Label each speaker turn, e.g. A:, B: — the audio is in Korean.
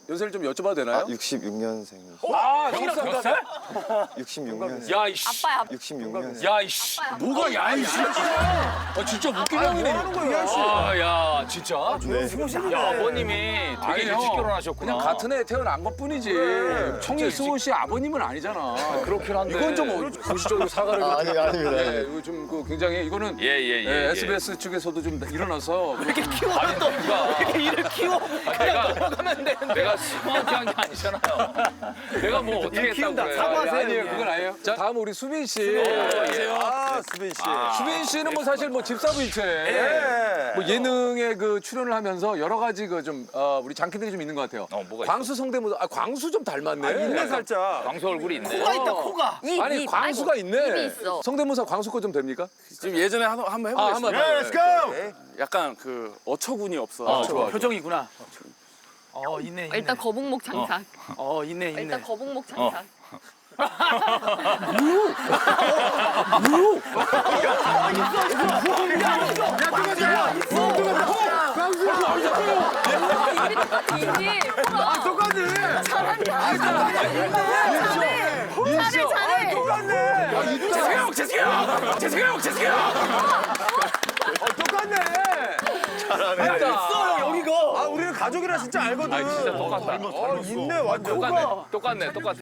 A: 연세를 좀 여쭤봐도 되나요?
B: 66년생이시죠?
A: 아, 형이랑 몇 살?
B: 66년생.
C: 야, 이씨.
D: 아빠야.
B: 66년생.
C: 야, 이씨.
A: 뭐가 야, 이씨. 아, 진짜 웃긴 형이네.
C: 아, 야, 진짜?
B: 네.
C: 야, 아버님이 되게
A: 아니,
C: 일찍
A: 형.
C: 결혼하셨구나.
A: 그냥 같은 해 태어난 것 뿐이지. 청일승호 씨 아버님은 아니잖아.
C: 그렇긴 한데.
A: 이건 좀 공식적으로 사과를.
B: 아닙니다.
A: 네, 이거 좀 굉장히 이거는
C: 예.
A: SBS 측에서도 좀 일어나서
C: 아니, 내가
E: 일을 키워. 그냥 넘어가면 되는데.
C: 내가 스마트한 게 아니잖아요. 내가 뭐 어떻게 했다고
E: 키운다.
C: 그래.
E: 사과하세요.
A: 아니에요, 그건 아니에요. 자, 다음 우리 수빈 씨.
B: 아, 수빈 씨.
A: 수빈 씨는 뭐 사실 뭐 집사부일체 뭐 예능에 그 출연을 하면서 여러 가지 그 좀 우리 장기들이 좀 있는 것 같아요.
C: 뭐가
A: 광수 성대모사. 아, 광수 좀 닮았네.
B: 있네, 살짝.
C: 광수 얼굴이 있네.
E: 코가 있다 코가.
A: 아니, 광수가 있네.
D: 입이 있어.
A: 성대모사 광수 거 좀 됩니까?
F: 지금 예전에 한번
A: 아,
F: 해보겠습니다.
A: 한번 해봐요.
F: 약간 그 어처구니 없어.
A: 좋아.
E: 표정이구나. 있네.
D: 일단 거북목 장착.
E: 있네.
D: 일단 거북목 장착. 이미 똑같네. 잘한다. 잘해.
C: 재승이 형!
A: 똑같네.
E: 있어 여기가.
B: 아, 우리는 가족이라 진짜 알거든.
C: 진짜 똑같다.
B: 있네, 완전.
C: 똑같네.